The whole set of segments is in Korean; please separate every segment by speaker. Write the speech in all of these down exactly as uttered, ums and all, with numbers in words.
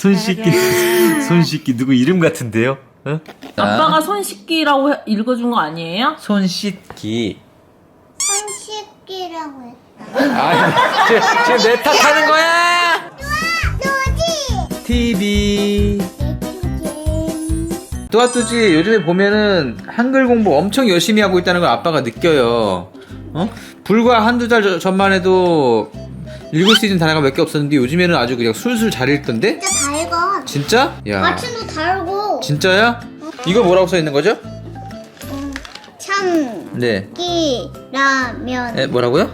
Speaker 1: 손 씻기 손 씻기 누구 이름 같은데요? 어?
Speaker 2: 아빠가 손 씻기라고 해- 읽어준 거 아니에요?
Speaker 1: 손 씻기.
Speaker 3: 손 씻기라고 했다.
Speaker 1: 아, 지금, 지금 내 탓하는 거야.
Speaker 3: 노지.
Speaker 1: 티비.
Speaker 3: 내투게임.
Speaker 1: 뚜아뚜지 요즘에 보면은 한글 공부 엄청 열심히 하고 있다는 걸 아빠가 느껴요. 어? 불과 한두 달 저- 전만 해도 읽을 수 있는 단어가 몇 개 없었는데 요즘에는 아주 그냥 술술 잘 읽던데?
Speaker 3: 진짜 다 읽어.
Speaker 1: 진짜? 야.
Speaker 3: 아침도 다 읽고.
Speaker 1: 진짜야? 이거 뭐라고 써 있는 거죠?
Speaker 3: 음, 참기라면.
Speaker 1: 네. 에, 뭐라고요?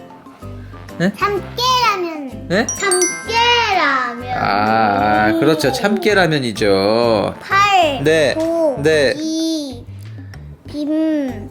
Speaker 3: 참깨라면.
Speaker 1: 네?
Speaker 3: 참깨라면.
Speaker 1: 아, 그렇죠. 참깨라면이죠.
Speaker 3: 팔.
Speaker 1: 네.
Speaker 3: 도.
Speaker 1: 네.
Speaker 3: 이. 빔.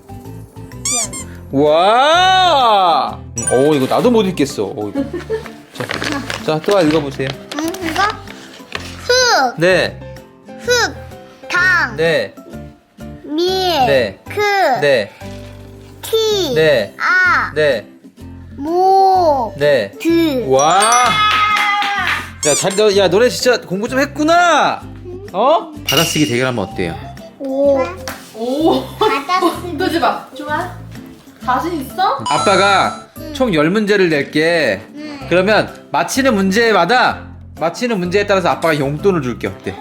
Speaker 1: 와! 오, 이거 나도 못 읽겠어. 오, 이거. 자, 자, 또 읽어보세요.
Speaker 3: 응, 이거? 흑.
Speaker 1: 네,
Speaker 3: 흑. 당.
Speaker 1: 네,
Speaker 3: 밀.
Speaker 1: 네.
Speaker 3: 크.
Speaker 1: 네,
Speaker 3: 티.
Speaker 1: 네,
Speaker 3: 아.
Speaker 1: 네,
Speaker 3: 모.
Speaker 1: 네.
Speaker 3: 드.
Speaker 1: 와! 야, 잘, 너, 야, 너네 진짜 공부 좀 했구나! 어? 받아쓰기 대결하면 어때요?
Speaker 3: 오.
Speaker 2: 오.
Speaker 3: 받아쓰기.
Speaker 2: 뜨지 마. 좋아. 자신 있어?
Speaker 1: 아빠가 총 열 문제를 낼게.
Speaker 3: 응.
Speaker 1: 그러면 맞히는 문제마다 맞히는 문제에 따라서 아빠가 용돈을 줄게. 어때?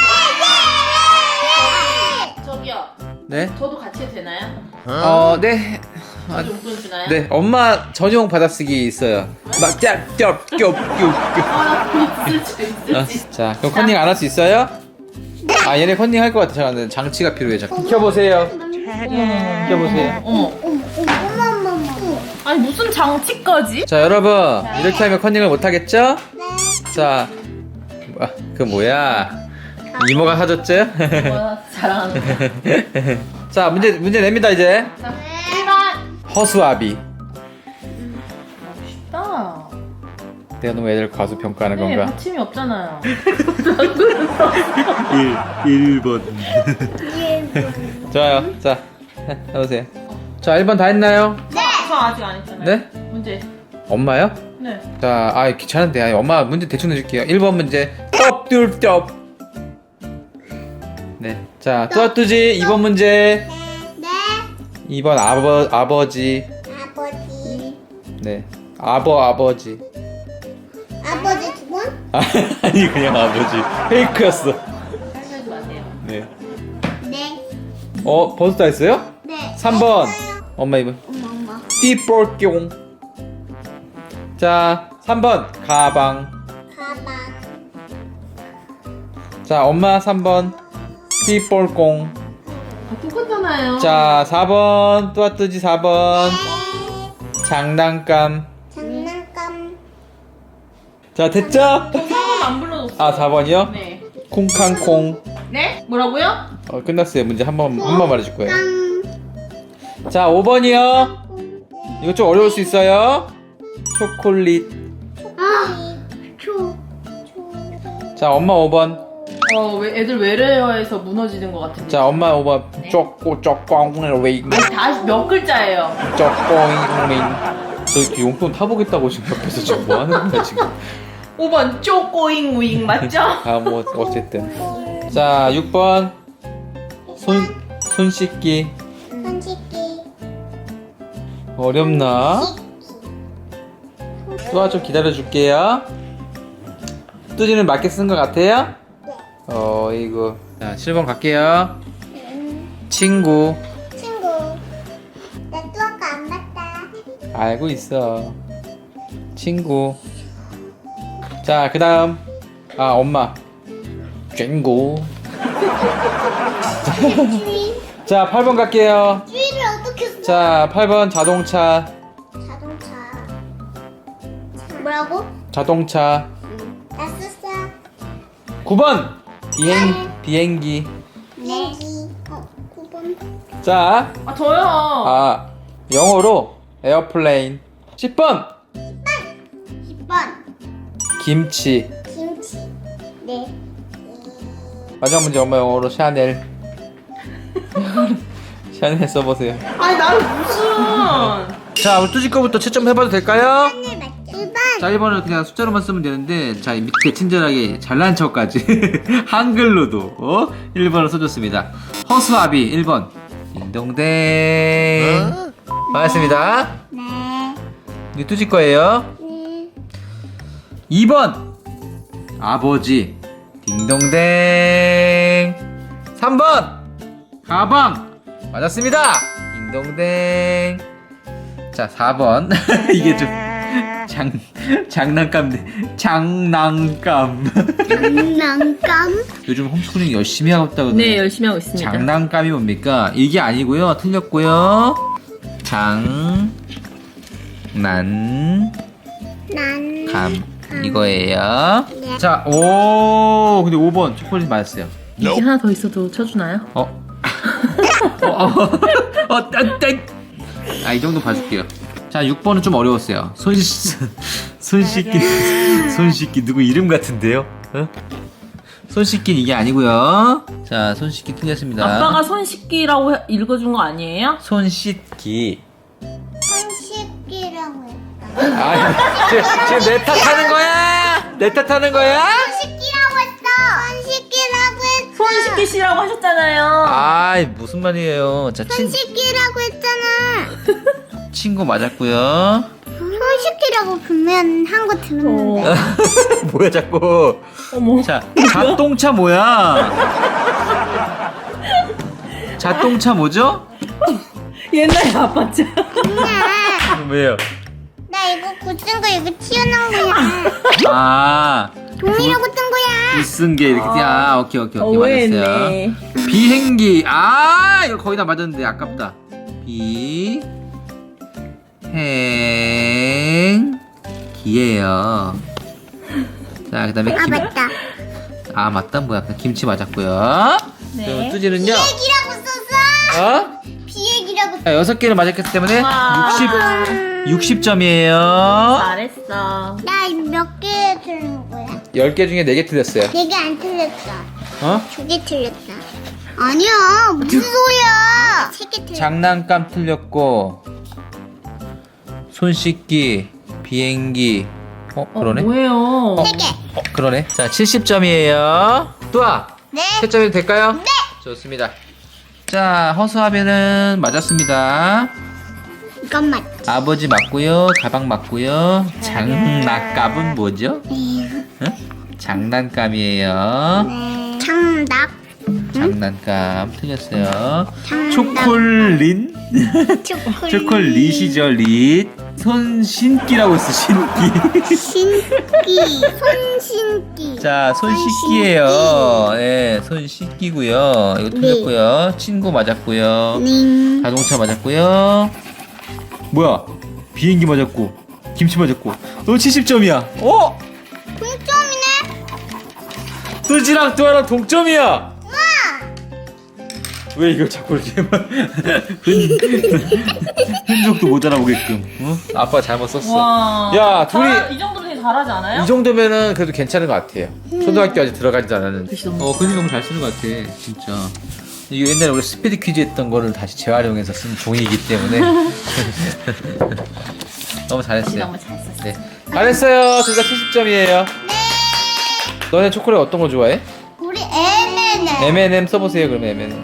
Speaker 2: 저기요.
Speaker 1: 네?
Speaker 2: 저도 같이 해도 되나요?
Speaker 1: 어, 네. 아,
Speaker 2: 저도 용돈 주나요?
Speaker 1: 네, 엄마 전용 받아쓰기 있어요. 막 짭, 짭, 겹, 겹, 겹.
Speaker 2: 아, 있을지
Speaker 1: 어,
Speaker 2: 있을지.
Speaker 1: 자, 그럼 컨닝 안 할 수 있어요? 아, 얘네 컨닝 할 것 같아. 잠깐만, 장치가 필요해. 잠깐. 켜보세요. 켜보세요.
Speaker 2: 어머.
Speaker 3: 어머, 어머, 어머, 어머.
Speaker 2: 아니 무슨 장치까지?
Speaker 1: 자, 여러분. 이렇게 하면 컨닝을 못 하겠죠?
Speaker 3: 네.
Speaker 1: 자, 아, 그 뭐야? 이모가 사줬죠?
Speaker 2: 뭐야 자랑하는 거.
Speaker 1: 자, 문제 문제 냅니다 이제.
Speaker 2: 자, 일 번.
Speaker 1: 허수아비.
Speaker 2: 쉽다.
Speaker 1: 내가 너무 애들 과수 평가하는
Speaker 2: 네,
Speaker 1: 건가?
Speaker 2: 받침이 없잖아요.
Speaker 1: 일 번. 좋아요. 자, 해보세요. 자, 일 번 다 했나요?
Speaker 2: 네. 저 아직 안 했잖아요.
Speaker 1: 네?
Speaker 2: 문제.
Speaker 1: 엄마요?
Speaker 2: 네.
Speaker 1: 자, 아 귀찮은데. 아, 엄마 문제 대충 내줄게요. 일 번 문제. 떡둘떡. 네. 자, 뚜아뚜지 이 번 문제.
Speaker 3: 네.
Speaker 1: 이 번 아버 아버지.
Speaker 3: 아버지.
Speaker 1: 네. 아버 아버지.
Speaker 3: 아버지 두 분?
Speaker 1: 아니 그냥 아버지. 페이크였어.
Speaker 2: 하지 마세요.
Speaker 1: 네.
Speaker 3: 네.
Speaker 1: 어, 벌써 다 했어요?
Speaker 3: 네.
Speaker 1: 삼 번.
Speaker 3: 했어요.
Speaker 1: 엄마 이 번.
Speaker 3: 엄마, 엄마.
Speaker 1: 띠볼뿅. 자, 삼 번 가방.
Speaker 3: 가방.
Speaker 1: 자, 엄마 삼 번 띠볼꽁.
Speaker 2: 아, 똑같잖아요.
Speaker 1: 자, 사 번 뚜아뚜지 사 번 장난감.
Speaker 3: 장난감.
Speaker 1: 자, 됐죠?
Speaker 2: 사 번 안 불러줬어요.
Speaker 1: 아, 사 번이요?
Speaker 2: 네.
Speaker 1: 콩캉콩.
Speaker 2: 네? 뭐라고요?
Speaker 1: 어, 끝났어요. 문제 한 번 한 번 말해줄 거예요.
Speaker 3: 깡.
Speaker 1: 자, 오 번이요. 이거 좀 어려울 수 있어요. 초콜릿.
Speaker 3: 아. 초. 초.
Speaker 1: 자, 엄마 오 번.
Speaker 2: 어, 왜 애들 외래어에서 무너지는 것 같은데.
Speaker 1: 자, 엄마 오 번.
Speaker 2: 네.
Speaker 1: 쪼꼬 쪼꼬잉 웨이.
Speaker 2: 아니, 다시 몇 글자예요?
Speaker 1: 쪼꼬잉. 저 이렇게 용돈 타보겠다고 지금 옆에서 지금 뭐 하는 거야 지금?
Speaker 2: 오 번 쪼꼬잉 우잉 맞죠?
Speaker 1: 아, 뭐 어쨌든. 자, 육 번. 손, 손 씻기.
Speaker 3: 손 씻기.
Speaker 1: 어렵나? 뚜아 좀 기다려줄게요. 뚜지는 맞게 쓴 것 같아요?
Speaker 3: 네.
Speaker 1: 어이구. 자, 칠 번 갈게요.
Speaker 3: 음,
Speaker 1: 친구.
Speaker 3: 친구. 나 뚜아가 안 봤다.
Speaker 1: 알고 있어. 친구. 자, 그 다음. 아, 엄마. 쨍고.
Speaker 3: 주의.
Speaker 1: 자, 팔 번 갈게요.
Speaker 3: 주의를 어떻게 써?
Speaker 1: 자, 팔 번 자동차.
Speaker 3: 자동차. 뭐라고?
Speaker 1: 자동차.
Speaker 3: 나 썼어.
Speaker 1: 구 번 비행 비행기.
Speaker 3: 비행기. 어, 구 번.
Speaker 1: 자,
Speaker 2: 아 저요.
Speaker 1: 아 영어로 에어플레인. 십 번
Speaker 3: 십 번.
Speaker 1: 김치.
Speaker 3: 김치. 네.
Speaker 1: 마지막 문제 엄마 영어로 샤넬. 샤넬 써보세요.
Speaker 2: 아니 나는 무슨.
Speaker 1: 자, 우리 뚜지 거부터 채점 해봐도 될까요?
Speaker 3: 하늘 맞죠? 일 번.
Speaker 1: 자, 일 번은 그냥 숫자로만 쓰면 되는데, 자, 밑에 친절하게 잘난 척까지 한글로도 어? 일 번을 써줬습니다. 허수아비 일 번. 딩동댕. 반갑습니다.
Speaker 3: 네.
Speaker 1: 이거 뚜지 거예요.
Speaker 3: 네.
Speaker 1: 이 번. 아버지. 딩동댕. 삼 번. 가방. 맞았습니다. 딩동댕. 자, 사 번. 이게 좀 장, 장난감, 장난감.
Speaker 3: 장난감?
Speaker 1: 요즘 홈스쿨링 열심히 하고 있다고.
Speaker 2: 네, 열심히 하고 있습니다.
Speaker 1: 장난감이 뭡니까? 이게 아니고요. 틀렸고요. 장, 난,
Speaker 3: 난.
Speaker 1: 감. 이거예요.
Speaker 3: 네.
Speaker 1: 자, 오, 근데 오 번 초콜릿 맞았어요.
Speaker 2: 이게 하나 더 있어도 쳐주나요?
Speaker 1: 어? 어, 어, 어, 딴, 딴. 아, 이 정도 봐줄게요. 자, 육 번은 좀 어려웠어요. 손, 씻- 손 씻기, 손 씻기 누구 이름 같은데요? 어? 손 씻기 이게 아니고요. 자, 손 씻기 틀렸습니다.
Speaker 2: 아빠가 손 씻기라고 해- 읽어준 거 아니에요?
Speaker 1: 손 씻기.
Speaker 3: 손 씻기라고 했다.
Speaker 1: 아, 지금, 지금 내 탓하는 거야? 내 탓하는 거야?
Speaker 3: 손 씻기라고 했어. 손 씻기라고 했어.
Speaker 2: 손 씻기시라고 하셨잖아요.
Speaker 1: 아이, 무슨 말이에요? 자,
Speaker 3: 손
Speaker 1: 친,
Speaker 3: 씻기라고 했잖아.
Speaker 1: 친구 맞았고요.
Speaker 3: 손 씻기라고 분명 한 거 들었는데.
Speaker 2: 어.
Speaker 1: 뭐야, 자꾸.
Speaker 2: 어머.
Speaker 1: 자, 자동차 뭐야? 자동차 뭐죠?
Speaker 2: 옛날에 아빠 짜.
Speaker 3: 엄마,
Speaker 1: 왜요?
Speaker 3: 나 이거 굳은 거 이거 튀어나온 거야.
Speaker 1: 아,
Speaker 3: 종이라고 뜬 거야.
Speaker 1: 이쓴 게 이렇게 띄- 아, 오케이 오케이 오케이 맞았어요.
Speaker 2: 오해했네.
Speaker 1: 비행기. 아, 이거 거의 다 맞았는데 아깝다. 비행기예요. 자, 그다음에
Speaker 3: 아
Speaker 1: 김.
Speaker 3: 맞다.
Speaker 1: 아, 맞다. 뭐야? 김치 맞았고요.
Speaker 2: 네.
Speaker 1: 그럼 뚜지는요?
Speaker 3: 비행기라고 썼어.
Speaker 1: 어?
Speaker 3: 비행기라고.
Speaker 1: 자, 여섯 개를 맞았기 때문에
Speaker 2: 와.
Speaker 1: 육십, 육십 점이에요.
Speaker 2: 잘했어.
Speaker 3: 나 몇 개 틀린 거야?
Speaker 1: 열 개 중에 네 개 틀렸어요.
Speaker 3: 네 개 안 틀렸어.
Speaker 1: 어?
Speaker 3: 두 개 틀렸다. 아니야, 무슨 소리야? 세 개 틀렸어.
Speaker 1: 장난감 틀렸고, 손 씻기, 비행기. 어,
Speaker 2: 어,
Speaker 1: 그러네.
Speaker 2: 뭐예요?
Speaker 3: 세 개.
Speaker 1: 어, 그러네. 자, 칠십 점이에요. 뚜아,
Speaker 3: 네.
Speaker 1: 채점이 될까요? 네. 좋습니다. 자, 허수아비는 맞았습니다.
Speaker 3: 이건 맞.
Speaker 1: 아버지 맞고요. 가방 맞고요. 장난감은 뭐죠?
Speaker 3: 네.
Speaker 1: 응? 장난감이에요.
Speaker 3: 네. 장닭.
Speaker 1: 장난감 틀렸어요.
Speaker 3: 장난감.
Speaker 1: 초콜릿?
Speaker 3: 초콜릿.
Speaker 1: 초콜릿이죠, 릿. 손 신기라고 있어, 신기.
Speaker 3: 신기. 손 신기.
Speaker 1: 자, 손
Speaker 3: 손
Speaker 1: 씻기예요. 예, 손 씻기고요. 이거 틀렸고요. 친구 맞았고요.
Speaker 3: ning.
Speaker 1: 자동차 맞았고요. 뭐야? 비행기 맞았고, 김치 맞았고. 너 칠십 점이야. 어?
Speaker 3: 동점이네.
Speaker 1: 뚜지랑 뚜아랑 동점이야.
Speaker 3: 우와.
Speaker 1: 왜 이걸 자꾸 이렇게 흔, 흔적도 못 알아보게끔. 어? 아빠 잘못 썼어.
Speaker 2: 와.
Speaker 1: 야, 둘이
Speaker 2: 잘- 이 정도면 되게 잘하지 않아요?
Speaker 1: 이 정도면은 그래도 괜찮은 것 같아요. 초등학교 아직 들어가지도 않았는데.
Speaker 2: 글씨 너무
Speaker 1: 어, 근데 너무 잘 쓰는 것 같아, 진짜. 이거 옛날에 우리 스피드 퀴즈 했던 거를 다시 재활용해서 쓴 종이기 때문에 너무 잘했어요.
Speaker 2: 너무 잘 썼어.
Speaker 1: 네, 잘했어요. 둘 다 칠십 점이에요.
Speaker 3: 네.
Speaker 1: 너네 초콜릿 어떤 거 좋아해?
Speaker 3: 우리 엠앤엠.
Speaker 1: 엠 앤 엠 써보세요. 그러면 엠 앤 엠.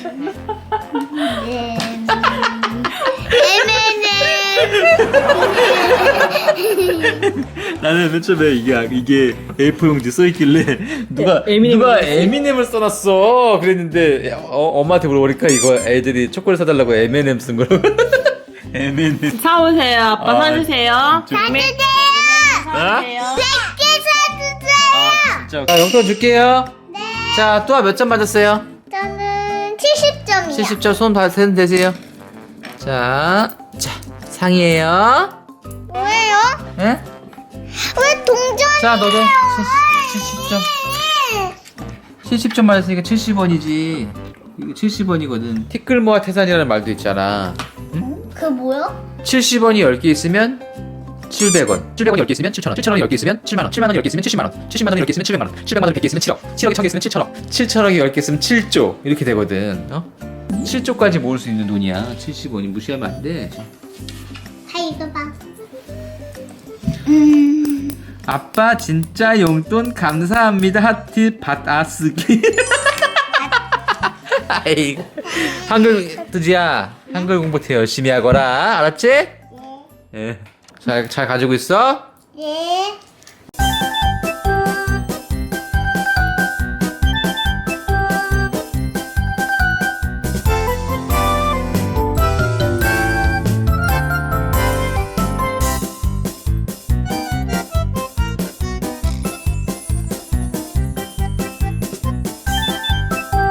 Speaker 1: 나는 맨 처음에 이게 이게 에이포 용지 써 있길래 누가
Speaker 2: 에, 에미넴을
Speaker 1: 누가
Speaker 2: 써놨어요?
Speaker 1: 에미넴을 써놨어. 그랬는데 야, 어, 엄마한테 물어보니까 이거 애들이 초콜릿 사달라고 엠 앤 엠 쓴 거라고. 엠 앤 엠.
Speaker 2: 사오세요. 아빠
Speaker 1: 아,
Speaker 2: 사주세요.
Speaker 1: 좀-
Speaker 3: 사주세요.
Speaker 2: 사주세요.
Speaker 3: 백 개 사주세요.
Speaker 1: 아, 진짜. 자, 용돈 줄게요.
Speaker 3: 네.
Speaker 1: 자, 또 몇 점 맞았어요?
Speaker 3: 저는 칠십 점이요.
Speaker 1: 칠십 점 손 다 세는 되세요. 자, 자 상이에요.
Speaker 3: 뭐예요?
Speaker 1: 예?
Speaker 3: 왜 동전이에요?
Speaker 1: 자, 너도 칠십 점. 칠십 점 맞았으니까 칠십 원이지. 이거 칠십 원이거든. 티끌모아 태산이라는 말도 있잖아.
Speaker 3: 그 뭐요?
Speaker 1: 칠십 원이 열 개 있으면 칠백 원. 칠백 원이 열 개 있으면 칠천 원. 칠천 원이 열 개 있으면 칠만 원. 칠만 원이 열 개 있으면 칠십만 원. 칠십만 원이 열 개 있으면 칠백만 원. 칠백만 원이 백 개 있으면 칠억. 칠억이 천 개 있으면 칠천억. 칠천억이 열 개 있으면 칠조. 이렇게 되거든. 어? 칠조까지 모을 수 있는 돈이야. 칠십 원이 무시하면 안 돼.
Speaker 3: 다 읽어봐. 음.
Speaker 1: 아빠 진짜 용돈 감사합니다. 하트 받아쓰기. 아이고. 한글 뜨지야. 한글 공부 더 열심히 하거라. 알았지? 예. 잘, 잘 가지고 있어?
Speaker 3: 네.